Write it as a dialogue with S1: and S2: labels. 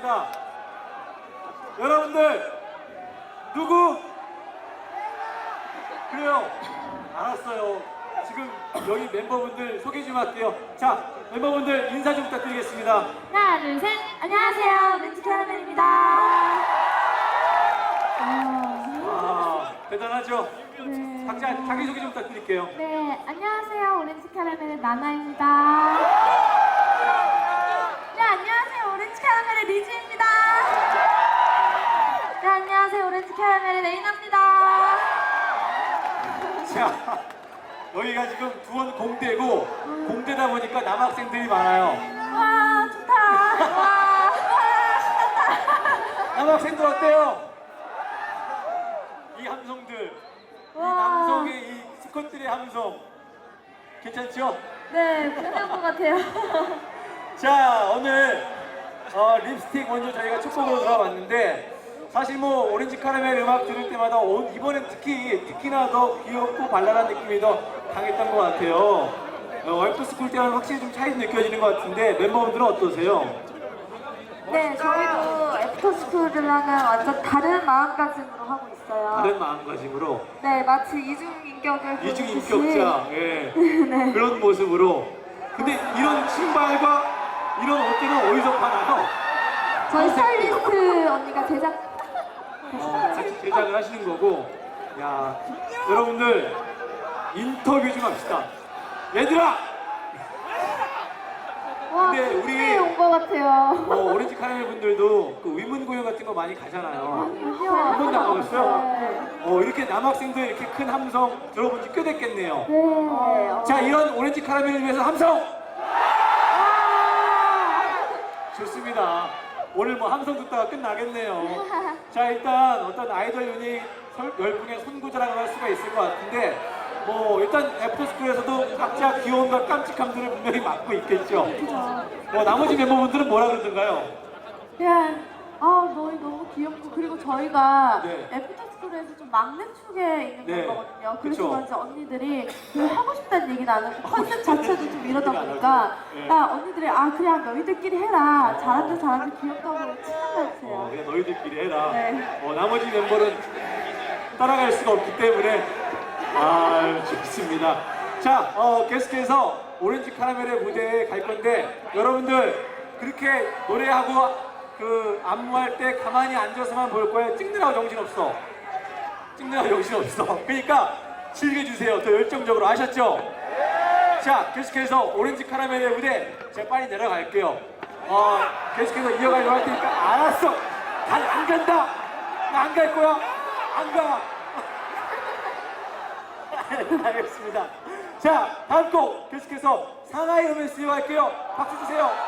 S1: 자, 여러분들 누구? 그래요. 알았어요. 지금 여기 멤버분들 소개 좀 할게요. 자, 멤버분들 인사 좀 부탁드리겠습니다.
S2: 하나, 둘, 셋. 안녕하세요. 렌즈 캐러멜입니다.
S1: 대단하죠?
S2: 네.
S1: 각자 자기소개 좀 부탁드릴게요.
S2: 네, 안녕하세요. 오렌지 캐러멜의 나나입니다. 네, 안녕하세요. 오렌지 캐러멜의 리즈입니다. 네, 안녕하세요. 오렌지 캐러멜의 레이나입니다.
S1: 자, 여기가 지금 두원 공대고 공대다 보니까 남학생들이 많아요.
S2: 와, 좋다. 와, 신난다.
S1: 남학생들 어때요? 이 함성들, 이 남성의 이 스쿼트의 함성 괜찮죠?
S2: 네, 끝난 것 같아요.
S1: 자, 오늘 립스틱 먼저 저희가 첫 곡으로 들어봤는데 사실 뭐 오렌지 카라멜 음악 들을 때마다 이번엔 특히나 더 귀엽고 발랄한 느낌이 더 강했던 것 같아요. 와이프 스쿨 때와는 확실히 좀 차이도 느껴지는 것 같은데 멤버분들은 어떠세요?
S2: 네, 저희도 애프터스쿨이랑은 완전 다른 마음가짐으로 하고 있어요.
S1: 다른 마음가짐으로
S2: 네, 마치 이중인격을
S1: 이중인격자 예.
S2: 네.
S1: 그런 모습으로. 근데 이런 신발과 이런 옷들은 어디서 파나요?
S2: 저희 스타일리스트 언니가 제작
S1: 같이 제작을 하시는 거고. 야, 여러분들 인터뷰 좀 합시다. 얘들아!
S2: 와,
S1: 근데 우리
S2: 온것 같아요.
S1: 오렌지 카라멜 분들도 그 위문 공연 같은 거 많이 가잖아요. 한 번도 안 가봤어요? 이렇게 남학생들 이렇게 큰 함성 들어본 지 꽤 됐겠네요.
S2: 네.
S1: 자, 이런 오렌지 카라멜을 위해서 함성! 좋습니다. 오늘 뭐 함성 듣다가 끝나겠네요. 자, 일단 어떤 아이돌 유닛 열풍의 선구자라고 할 수가 있을 것 같은데 뭐 일단 애프터스쿨에서도 각자 귀여움과 깜찍함들을 분명히 맡고 있겠죠. 나머지 멤버분들은 뭐라 그러던가요?
S2: 그냥 너무 귀엽고 그리고 저희가
S1: 네.
S2: 애프터스쿨에서 좀 막내 축에 있는
S1: 네.
S2: 거거든요. 그래서
S1: 그쵸.
S2: 그런지 언니들이 그 하고 싶다는 얘기는 안 하고 컨셉 자체도 좀 이러다 보니까
S1: 네.
S2: 언니들이 그냥 너희들끼리 해라. 잘한다 귀엽다고 칭찬해주세요.
S1: 그냥 너희들끼리 해라.
S2: 네.
S1: 나머지 멤버는 따라갈 수가 없기 때문에 좋습니다. 자, 계속해서 오렌지 카라멜의 무대에 갈 건데 여러분들 그렇게 노래하고 그 안무할 때 가만히 앉아서만 볼 거예요? 찍느라고 정신없어. 찍느라고 정신없어. 그러니까 즐겨주세요. 더 열정적으로. 아셨죠? 자, 계속해서 오렌지 카라멜의 무대 제가 빨리 내려갈게요. 계속해서 이어가려고 할 테니까 알았어. 안 간다. 나 안 갈 거야. 안 가. 알겠습니다. 자, 다음 곡 계속해서 상하이 로맨스 이어갈게요. 박수 주세요.